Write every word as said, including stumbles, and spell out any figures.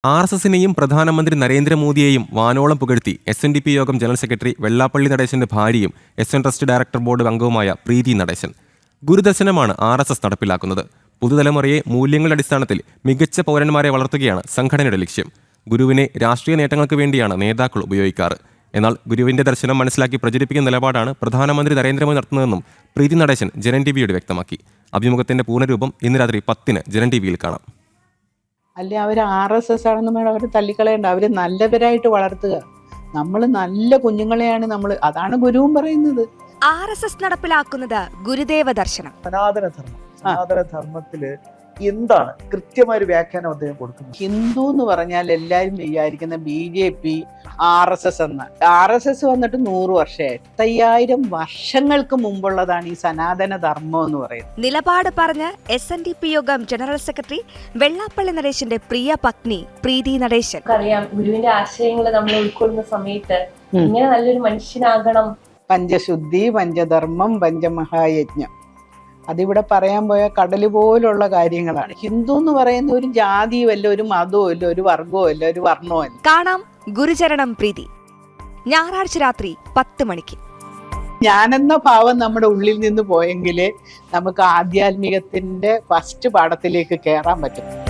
R S എസിനെയും പ്രധാനമന്ത്രി നരേന്ദ്രമോദിയെയും വാനോളം പുകഴ്ത്തി എസ് എൻ ഡി പി യോഗം ജനറൽ സെക്രട്ടറി വെള്ളാപ്പള്ളി നടേശന്റെ ഭാര്യയും S N trust director board അംഗവുമായ പ്രീതി നടേശൻ. ഗുരുദർശനമാണ് ആർ എസ് എസ് നടപ്പിലാക്കുന്നത്. പുതുതലമുറയെ മൂല്യങ്ങളുടെ അടിസ്ഥാനത്തിൽ മികച്ച പൗരന്മാരെ വളർത്തുകയാണ് സംഘടനയുടെ ലക്ഷ്യം. ഗുരുവിനെ രാഷ്ട്രീയ നേട്ടങ്ങൾക്ക് വേണ്ടിയാണ് നേതാക്കൾ ഉപയോഗിക്കാറ്. എന്നാൽ ഗുരുവിന്റെ ദർശനം മനസ്സിലാക്കി പ്രചരിപ്പിക്കുന്ന നിലപാടാണ് പ്രധാനമന്ത്രി നരേന്ദ്രമോദി നടത്തുന്നതെന്നും പ്രീതി നടേശൻ ജനൻ ടി വിയോട് വ്യക്തമാക്കി. അഭിമുഖത്തിന്റെ പൂർണ്ണരൂപം ഇന്ന് രാത്രി പത്തിന് ജനൻ ടി വിയിൽ കാണാം. അല്ലെ അവർ ആർ എസ് എസ് ആണെന്ന് വേണം അവർ തള്ളിക്കളയണ്ട. അവര് നല്ലവരായിട്ട് വളർത്തുക. നമ്മൾ നല്ല കുഞ്ഞുങ്ങളെയാണ് നമ്മൾ, അതാണ് ഗുരുവും പറയുന്നത്. ആർ എസ് എസ് നടപ്പിലാക്കുന്നത് ഗുരുദേവ ദർശനം. സനാതന ധർമ്മം സനാതന ധർമ്മത്തില് എന്താണ് കൃത്യമായ ഒരു വ്യാഖ്യാനം അദ്ദേഹം കൊടുക്കുന്നത്? ഹിന്ദു എന്ന് പറഞ്ഞാൽ എല്ലാവരും വിചാരിക്കുന്ന B J P R S S എന്ന. ആർ എസ് എസ് വന്നിട്ട് നൂറ് വർഷമായി. എട്ടയ്യായിരം വർഷങ്ങൾക്ക് മുമ്പുള്ളതാണ് ഈ സനാതന ധർമ്മം എന്ന് പറയുന്നത്. നിലപാട് പറഞ്ഞ് എസ് എൻ ഡി പി യോഗം ജനറൽ സെക്രട്ടറി വെള്ളാപ്പള്ളി നടേശന്റെ പ്രിയ പത്നി പ്രീതി നടേശൻ. അറിയാം, ഗുരുവിന്റെ ആശയങ്ങൾ നമ്മൾ ഉൾക്കൊള്ളുന്ന സമയത്ത് ഇങ്ങനെ നല്ലൊരു മനുഷ്യനാകണം. പഞ്ചശുദ്ധി, പഞ്ചധർമ്മം, പഞ്ചമഹായജ്ഞം, അതിവിടെ പറയാൻ പോയ കടല് പോലുള്ള കാര്യങ്ങളാണ്. ഹിന്ദു എന്ന് പറയുന്ന ഒരു ജാതിയും അല്ല, ഒരു മതവും അല്ല, ഒരു വർഗവും അല്ല, ഒരു വർണ്ണവും അല്ല. കാണാം ഗുരുചരണം പ്രീതി ഞായറാഴ്ച രാത്രി പത്ത് മണിക്ക്. ഞാനെന്ന ഭാവം നമ്മുടെ ഉള്ളിൽ നിന്ന് പോയെങ്കിലേ നമുക്ക് ആധ്യാത്മികത്തിന്റെ ഫസ്റ്റ് പാഠത്തിലേക്ക് കയറാൻ പറ്റും.